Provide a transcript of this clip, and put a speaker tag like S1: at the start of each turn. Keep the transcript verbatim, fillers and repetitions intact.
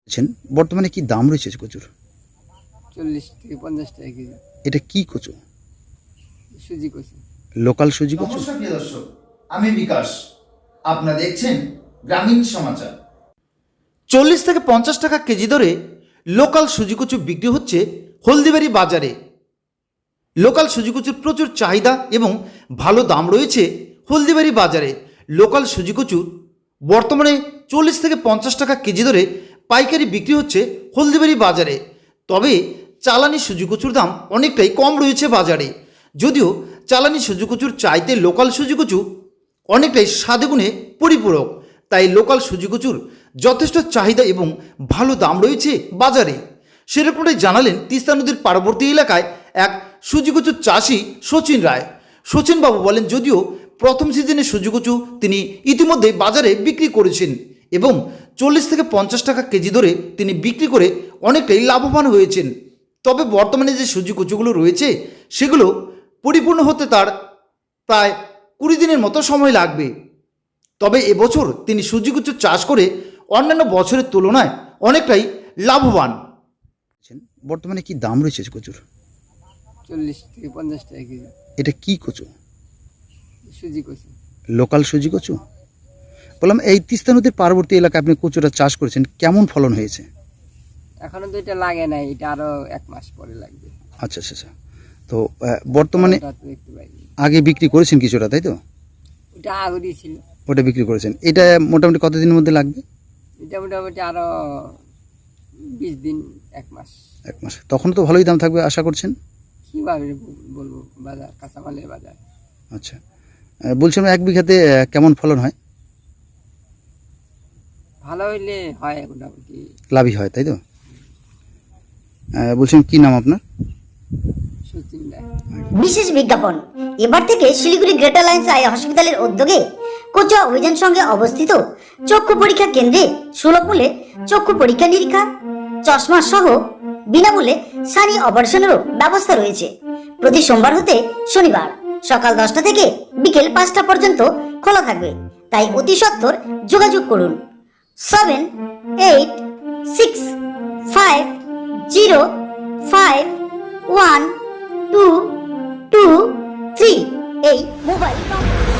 S1: আছেন, বর্তমানে কি দাম রয়েছে কচুর?
S2: চল্লিশ থেকে পঞ্চাশ টাকা কেজি।
S1: এটা কি কচু?
S2: সুজি কচু।
S1: লোকাল সুজি কচু?
S3: নমস্কার প্রিয় দর্শক, আমি বিকাশ। আপনারা দেখছেন গ্রামীণ সমাচার।
S4: চল্লিশ থেকে পঞ্চাশ টাকা কেজি দরে লোকাল সুজি কচু বিক্রি হচ্ছে হলদিবাড়ি বাজারে। লোকাল সুজি কচুর প্রচুর চাহিদা এবং ভালো দাম রয়েছে হলদিবাড়ি বাজারে। লোকাল সুজি কচুর বর্তমানে চল্লিশ থেকে পঞ্চাশ টাকা কেজি দরে পাইকারি বিক্রি হচ্ছে হলদিবাড়ি বাজারে। তবে চালানি সুজি কচুর দাম অনেকটাই কম রয়েছে বাজারে। যদিও চালানি সুজি কচুর চাইতে লোকাল সুজি কচু অনেকটাই স্বাদগুণে পরিপূরক, তাই লোকাল সুজি কচুর যথেষ্ট চাহিদা এবং ভালো দাম রয়েছে বাজারে। সেরকমটাই জানালেন তিস্তা নদীর পার্বতী এলাকায় এক সুজি কচুর চাষি সচিন রায়। সচিনবাবু বলেন, যদিও প্রথম সিজনে সুজি কচু তিনি ইতিমধ্যে বাজারে বিক্রি করেছেন এবং চল্লিশ থেকে পঞ্চাশ টাকা কেজি ধরে তিনি বিক্রি করে অনেকটাই লাভবান হয়েছেন। তবে বর্তমানে যে সুজি কচুগুলো রয়েছে সেগুলো পরিপূর্ণ হতে তার প্রায় কুড়ি দিনের মতো সময় লাগবে। তবে এবছর তিনি সুজি কচু চাষ করে অন্যান্য বছরের তুলনায় অনেকটাই লাভবান।
S1: বর্তমানে কি দাম রয়েছে কচুর?
S2: চল্লিশ থেকে পঞ্চাশ টাকা কেজি।
S1: এটা কি কচু?
S2: সুজি কচু।
S1: লোকাল সুজি কচু? বললাম, এই তিস্তা নদীর পার্বতী এলাকায় আপনি কচুটা চাষ করেছেন, কেমন ফলন হয়েছে?
S2: এখনো তো এটা লাগে নাই, এটা আরো এক মাস পরে লাগবে।
S1: আচ্ছা আচ্ছা আচ্ছা। তো আহ, বর্তমানে
S2: ওটা তো দেখতে পাইনি।
S1: আগে বিক্রি করেছেন কিছুটা, তাই তো?
S2: ওটা আগরই ছিল।
S1: ওটা বিক্রি করেছেন। এটা মোটামুটি কতদিনের মধ্যে লাগবে?
S2: এটা মোটামুটি আরো বিশ দিন, এক মাস।
S1: এক মাস। তখন তো ভালোই দাম থাকবে আশা করছেন?
S2: কিভাবে বলবো, বাজার কাঁচামালের বাজার।
S1: আচ্ছা, আহ, বলছিলাম এক বিঘাতে আহ, কেমন ফলন হয়?
S2: ভালো হইলে হয় মোটামুটি।
S1: লাভই হয়, তাই তো? আহ, বলছিলাম, কি নাম আপনার?
S2: সচিন রায়।
S5: বিশেষ বিজ্ঞাপন। এবার থেকে শিলিগুড়ি গ্রেটার লাইন্স আই হসপিটালের উদ্যোগে কোচুয়া অভিযান সঙ্গে অবস্থিত চক্ষু পরীক্ষা কেন্দ্রে সুলভ মূল্যে চক্ষু পরীক্ষা নিরীক্ষা, চশমা সহ বিনামূল্যে সানি অপারেশনেরও ব্যবস্থা রয়েছে। প্রতি সোমবার হতে শনিবার সকাল দশটা থেকে বিকেল পাঁচটা পর্যন্ত খোলা থাকবে, তাই অতি সত্বর যোগাযোগ করুন seven eight six five zero five one two two three এই মোবাইল নম্বর।